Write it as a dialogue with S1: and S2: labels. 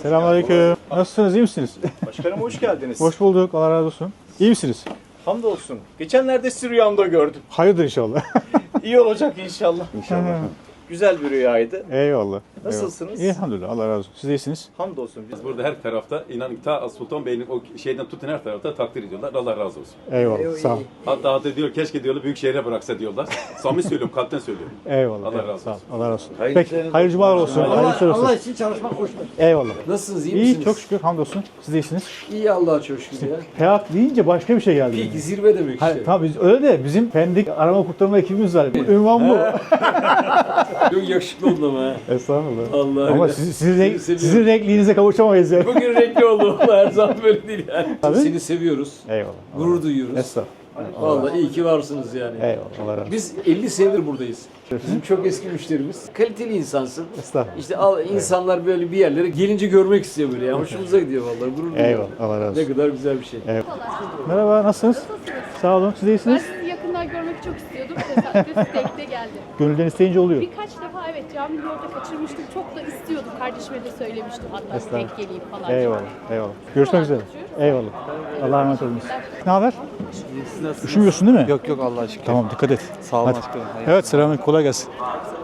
S1: Selamünaleyküm. Nasılsınız, iyi misiniz?
S2: Başkanım hoş geldiniz.
S1: Hoş bulduk, Allah razı olsun. İyi misiniz?
S2: Hamdolsun. Geçenlerde sizi rüyamda gördüm.
S1: Hayırdır inşallah.
S2: İyi olacak inşallah.
S1: İnşallah.
S2: Güzel bir rüyaydı.
S1: Eyvallah.
S2: Nasılsınız?
S1: İyi, elhamdülillah, Allah razı olsun. Siz de iyisiniz.
S2: Hamdolsun.
S3: Biz burada her tarafta inanın ta Sultan Bey'in o şeyden tutun her tarafta takdir ediyorlar. Allah razı olsun.
S1: Eyvallah, sağ ol.
S3: Hatta diyor keşke diyorlar büyük şehre bıraksa diyorlar. Samimi söylüyorum, kalpten söylüyorum.
S1: Eyvallah.
S3: Allah
S1: eyvallah,
S3: razı
S1: sağ ol.
S3: olsun.
S1: Allah razı olsun. Peki, hayırlı cumalar olsun. Hayırlı işler olsun.
S4: Allah için çalışmak hoştur.
S1: Eyvallah.
S4: Nasılsınız, iyi
S1: İyi,
S4: misiniz?
S1: çok şükür, hamdolsun. Siz de iyisiniz.
S4: İyi Allah'a çok şükür ya.
S1: Hayat deyince başka bir şey geldi.
S4: Peki zirve demek işte.
S1: Hayır, tabii öyle de bizim Pendik arama kurtarma ekibimiz var. Ünvan bu.
S4: Çok yakışıklı oldun ama ha.
S1: Estağfurullah.
S4: Allah
S1: Ama
S4: öyle.
S1: sizin renkliğinize kavuşamayız yani.
S4: Bugün renkli oldu valla, her zaman böyle değil yani.
S1: Tabii.
S4: Seni seviyoruz.
S1: Eyvallah.
S4: Gurur duyuyoruz.
S1: Estağfurullah.
S4: Vallahi iyi ki varsınız yani.
S1: Eyvallah. Allah razı olsun.
S4: Biz 50 senedir buradayız. Bizim çok eski müşterimiz. Kaliteli insansın.
S1: Estağfurullah.
S4: İşte insanlar böyle bir yerlere gelince görmek istiyor böyle ya. Hoşumuza gidiyor vallahi, gurur duyuyoruz.
S1: Eyvallah. Allah razı
S4: Ne
S1: olsun.
S4: kadar güzel bir şey.
S1: Merhaba, nasılsınız? Sağ olun, siz de
S5: Ben
S1: iyisiniz.
S5: sizi yakından görmek çok istiyordum. Tesadüf denk geldi.
S1: Gönülden isteyince oluyor.
S5: Birkaç defa evet cami yolda kaçırmıştım. Çok da istiyordum. Kardeşime de söylemiştim hatta
S1: Estağfurullah.
S5: denk geleyim falan.
S1: Eyvallah. Eyvallah. Görüşmek üzere. Eyvallah. Allah'a emanet olun. Ne haber? Üşümüyorsun değil mi?
S6: Yok Allah aşkına.
S1: Tamam, dikkat et.
S6: Sağ olun
S1: Hadi.
S6: aşkına.
S1: Evet, selamünaleyküm. Kolay gelsin.